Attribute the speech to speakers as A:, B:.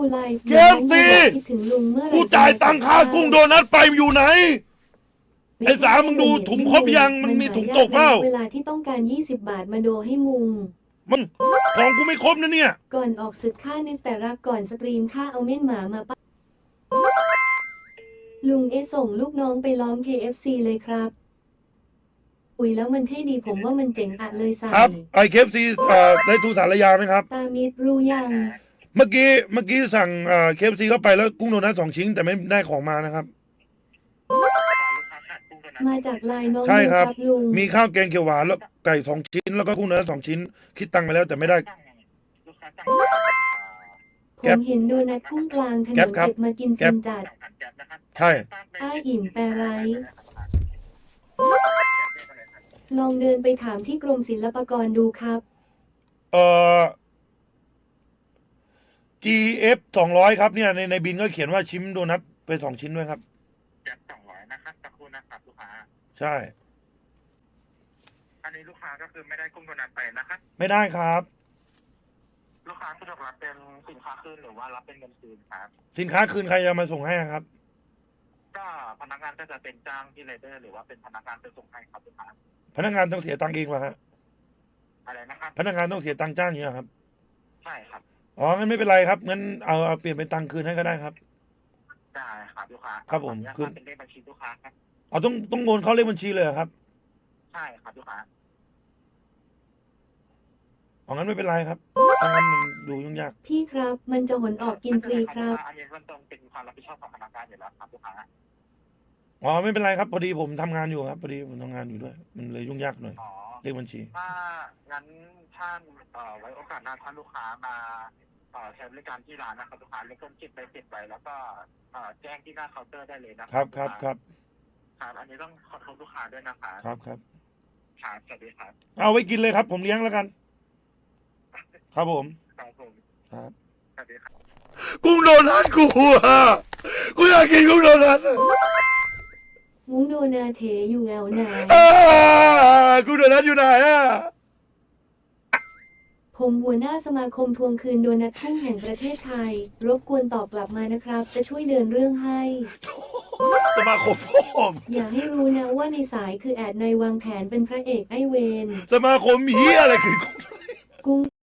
A: ไลฟ์
B: เคฟซี
A: คิดถึงลุงเมื่อไหร่
B: กูจ่ายตังค่ากุ้งโดนัทไปอยู่ไหนไอ้สามึงดูถุงครบยังมันมีถุงตกเปล่า
A: เวลาที่ต้องการ20 บาทมาโดให้มุง
B: มันของกูไม่ครบนะเนี่ย
A: ก่อนออกศึกค่านึกแต่รักก่อนสตรีมค่าเอาเม่นหมามาปะลุงส่งลูกน้องไปล้อม KFC เลยครับอุ้ยแล้วมันเท่ดีผมว่ามันเจ๋งอะเลยใส่
B: ครับไอเคฟซีได้ทูสารยาไหมครับ
A: ตามิดรู้ยัง
B: เมื่อกี้สั่งเคฟซีเข้าไปแล้วกุ้งโดนัท2 ชิ้นแต่ไม่ได้ของมานะครับ
A: มาจากไลน์น้อง
B: ใช่ครับ
A: ลุง
B: มีข้าวแกงเขียวหวานแล้วไก่2 ชิ้นแล้วก็กุ้งโดนัท2 ชิ้นคิดตังค์ไปแล้วแต่ไม่ได้
A: ผมเห็นโดนัทพุ่งกลางถนนเก็บมากินฟินจัด
B: ใช่
A: อ้ายอิ่มแปรไรลองเดินไปถามที่กรมศิลปากรดูครับ
B: GF 200ครับเนี่ยในบินก็เขียนว่าชิมโดนัทไป2 ชิ้นด้วยครับ
C: 200นะครับสักครู่นะครับลูกค้า
B: ใช่
C: อันนี้ลูกค้าก็คือไม่ได้กุ้งโดนัทไปนะครับ
B: ไม่ได้ครับ
C: ลูกค้าสะดวกรับเป็นสินค้าคืนหรือว่ารับเป็นเงินคืนครับ
B: สินค้าคืนใครจะมาส่งให้ครับ
C: ก็พนักงานก็จะเป็นจ้างที่ไรเดอร์หรือว่าเป็นพนักงานไปส่งให้ครับลูกค้า
B: พนักงานต้องเสียตังค์เองป่ะฮะ
C: อะไรนะครับ
B: พนักงานต้องเสียตังค์จ้างเนี่ยครับ
C: ใช่ครับ
B: อ๋องั้นไม่เป็นไรครับงั้นเอาเปลี่ยนเป็นตังค์คืนให้ก็ได้ครับ
C: ได้ครับลูกค้า
B: ครับผม
C: คืนเป็นเลขบัญชีลูกค้าครับ
B: อ๋อต้องโอนเข้าเลขบัญชีเลยครับ
C: ใช่ครับลูกค้า
B: อ๋องั้นไม่เป็นไรครับงั้นมันดูยุ่งยาก
A: พี่ครับมันจะหนออกกินฟรีครับ
C: อันนี้มันต้องเป็นความรับผิดชอบของพนักงานอยู่แล้วครับลูกค้า
B: อ๋อไม่เป็นไรครับพอดีผมทำงานอยู่ครับพอดีผมทำงานอยู่ด้วยมันเลยยุ่งยากหน่อยเลขบัญชี
C: ถ้างั้นท่านไว้โอกาสหน้าท่านลูกค้ามาใช้บริการที่ร้านนะครับลูกค้าเลือกจิตไปติดไว้แล้วก็แจ้งที่หน้าเคาน์เตอร์ได้เลยนะครับ
B: ครับ
C: อันนี้ต้องขอโทษลูกค้าด้วยนะคะ
B: ครับ
C: สวัสดีครับ
B: เอาไว้กินเลยครับผมเลี้ยงแล้วกันครับผม
C: ครับสวัสดีครับ
B: กุ้งโดนัทกูอยากกินกุ้งโดนัท
A: มุ้งโดนาเถอยู่แอวไหน
B: กุ้งโดนัทอยู่ไหน
A: ผมหัวหน้าสมาคมทวงคืนโดนัททุ่งแห่งประเทศไทยรบกวนตอบกลับมานะครับจะช่วยเดินเรื่องให้
B: สมาคมพ่อ
A: อย่าให้รู้นะว่าในสายคือแอดในวางแผนเป็นพระเอกไอเวน
B: สมาคมเฮียอะไรคือ
A: กุ้ง